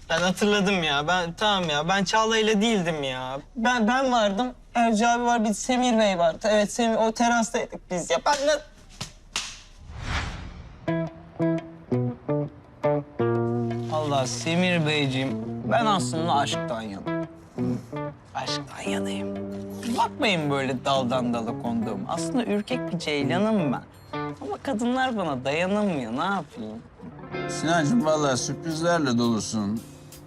Ben hatırladım ya. Ben Çağla ile değildim ya. Ben vardım. Erci abi var, bir Semir Bey vardı. Evet, Semir, o terastaydık biz ya. Allah Semir Beyciğim, ben aslında aşktan yanayım. Aşktan yanayım. Bakmayın böyle daldan dala konduğum. Aslında ürkek bir ceylanım ben. Ama kadınlar bana dayanamıyor. Ne yapayım? Sinancığım vallahi sürprizlerle dolusun.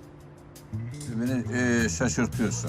Beni şaşırtıyorsun.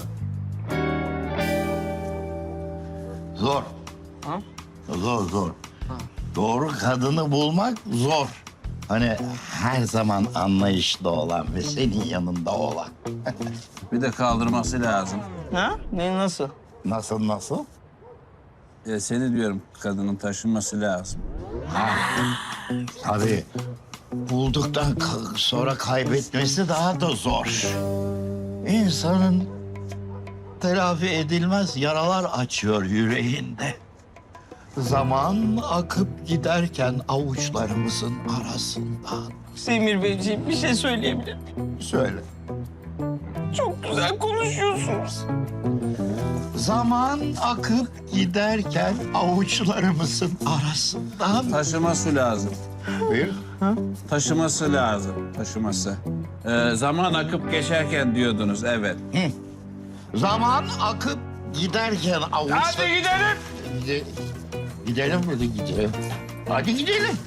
Zor. Ha? Zor. Doğru kadını bulmak zor. Hani her zaman anlayışlı olan ve senin yanında olan. Bir de kaldırması lazım. Ha? Ne, nasıl? Nasıl? Seni diyorum kadının taşınması lazım. Tabii. Bulduktan sonra kaybetmesi daha da zor. İnsanın telafi edilmez yaralar açıyor yüreğinde. Zaman akıp giderken avuçlarımızın arasından. Semir Beyciğim, bir şey söyleyebilir miyim? Söyle. Çok güzel konuşuyorsunuz. Zaman akıp giderken avuçlarımızın arasından. Taşıması lazım. Buyur. Taşıması lazım. Taşıması. Zaman akıp geçerken diyordunuz, evet. Zaman akıp giderken avuçlar... Hadi gidelim. Gidelim mi? Gidelim. Hadi gidelim.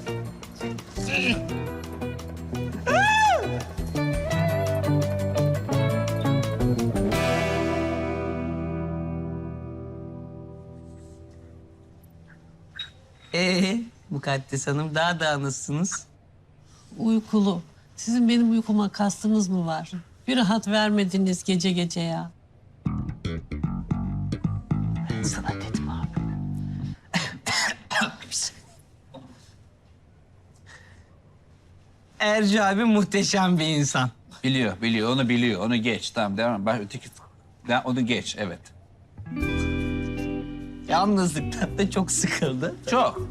Mukaddes Hanım, daha nasılsınız? Uykulu. Sizin benim uykuma kastınız mı var? Bir rahat vermediniz gece gece ya. Ben sana dedim abi. Erci abi muhteşem bir insan. Biliyor, onu biliyor. Onu geç, tamam devam. Bak öteki... Onu geç, evet. Yalnızlıktan da çok sıkıldı. Çok.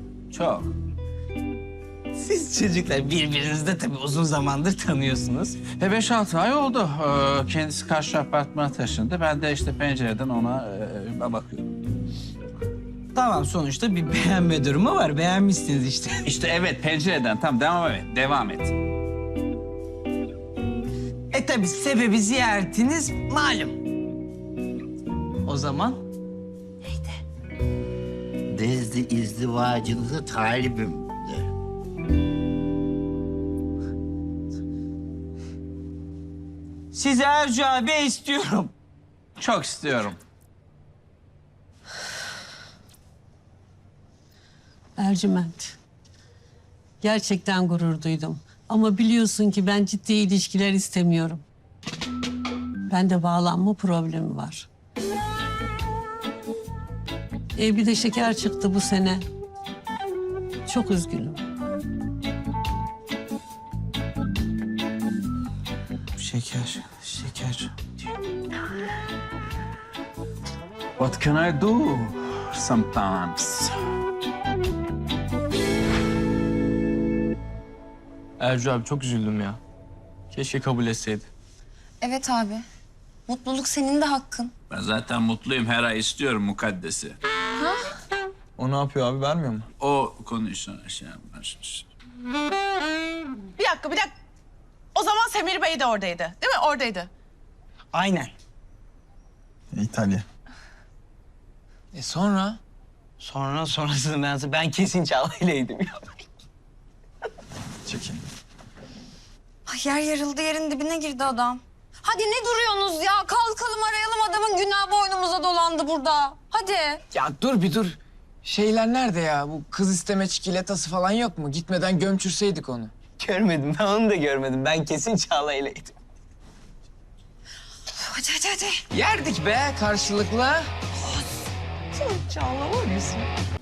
Siz çocuklar birbirinizi de tabii uzun zamandır tanıyorsunuz. 5-6 ay oldu. Kendisi karşı apartmana taşındı. Ben de işte pencereden ona bakıyorum. Tamam, sonuçta bir beğenme durumu var. Beğenmişsiniz işte. İşte evet, pencereden. Tamam, devam et. Tabii sebebi ziyaretiniz malum. O zaman Nezdi izdivacınıza talibim de. sizi Erci abi istiyorum. Çok istiyorum. Ercüment. Gerçekten gurur duydum. Ama biliyorsun ki ben ciddi ilişkiler istemiyorum. Bende bağlanma problemi var. Bir de şeker çıktı bu sene. Çok üzgünüm. Şeker. What can I do sometimes? Ercü abi çok üzüldüm ya. Keşke kabul etseydi. Evet abi. Mutluluk senin de hakkın. Ben zaten mutluyum. Her ay istiyorum mukaddesi. O ne yapıyor abi, vermiyor mu? O konuyu sonra şey yapmaz. Bir dakika. O zaman Semir Bey de oradaydı. Değil mi? Oradaydı. Aynen. İtalya. Sonra? Sonrasını ben kesin Çağla ileydim ya. Çekin. Ay yer yarıldı, yerin dibine girdi adam. Hadi ne duruyorsunuz ya? Kalkalım arayalım, adamın günahı boynumuza dolandı burada. Hadi. Ya dur bir dur. Şeyler nerede ya? Bu kız isteme çikolatası falan yok mu? Gitmeden gömçürseydik onu. Görmedim, ben onu da görmedim. Ben kesin Çağla ileydim. Hadi. Yerdik be karşılıklı. Çağla var mısın?